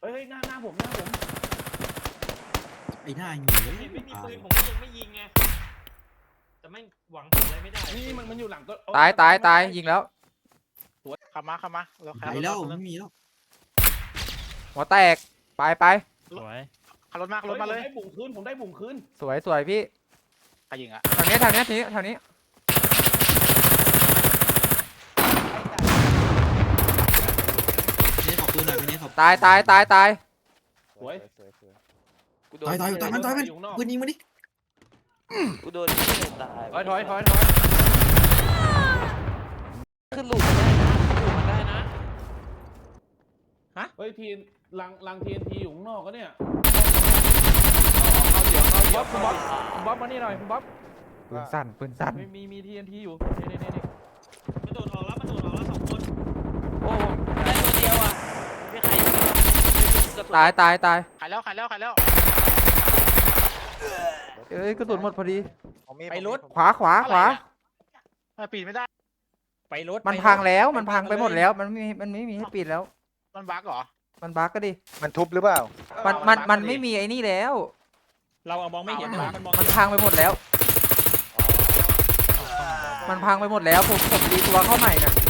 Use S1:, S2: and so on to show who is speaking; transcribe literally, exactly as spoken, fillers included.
S1: เฮ้ยหน้าหน้าผมหน้าผม
S2: ไอ้หน้าหิว
S3: เห็นไม่มีปืนผมก็ยังไม่ยิงไงแต่ไม่หวังผลอะไรไม่ได้
S1: นี่มันมันอยู่หลังต้น
S4: ตายตายตายยิงแล้ว
S5: ขับมาขับมาเราขับ
S2: ไปแล้วไม่มีแล้ว
S4: หัวแตกไปไป
S6: สวย
S5: ขับรถมาขับรถมาเลย
S1: ผมได้บุ่งคืนผมได้บุ่งคืน
S4: สวยสวยพี่
S5: ใครยิงอ่ะ
S4: ทางนี้ทางนี้ทีนี้ทางนี้
S2: เนี่ยขอบปืนหน่อยเนี่ยขอบ
S4: ตายตายตายตาย
S1: สวย
S7: กูโดน
S2: ตายตายตายมันตายมัน
S1: อยู่ข้างนอก
S2: ปืนยิงมาดิ
S7: กูโดนที่ตาย
S6: ถอยถอยถอยถอย
S7: ขึ้นหลุมได้นะหลุมมันได้นะ
S1: เฮ้ยทีนลังลังทีนทีอยู่ข้างนอกก็เนี่ย
S6: เข้าเดี๋ยวเข้าเดี๋ยวคุณบ๊อบคุณบ๊อบมานี่หน่อยคุณบ๊อบ
S4: ปืนสั่นปืนสั่น
S6: มีมีมีทีเอ็นทีอยู่นี่นี่นี่นี่
S3: มันโดดออกแล้วมันโดดออกแล้วสองคน
S7: โอ้ได้ตัวเดียวอ่ะไม่ใครกระสุน
S4: ตายตายตาย
S5: ขายแล้วขายแล้วขายแล้ว
S4: เอ้ยกระสุนหมดพอดี
S6: ไปรถ
S4: ขวาขวาขวา
S5: ไม่ปีนไม่ได้
S6: ไปรถ
S4: มันพังแล้วมันพังไปหมดแล้วมันไม่มีมันไม่มีให้ปิดแล้ว
S5: มันบั๊กเหรอ
S4: มันบั๊กก็ดิ
S8: มันทุบหรือเปล่า
S4: มันมันมันไม่มีไอ้นี่แล้ว
S6: เราเอามองไม่เห็นนะมันมอง
S4: มันพังไปหมดแล้ว มันพังไปหมดแล้วผมผมรีตัวเข้าใหม่น่ะ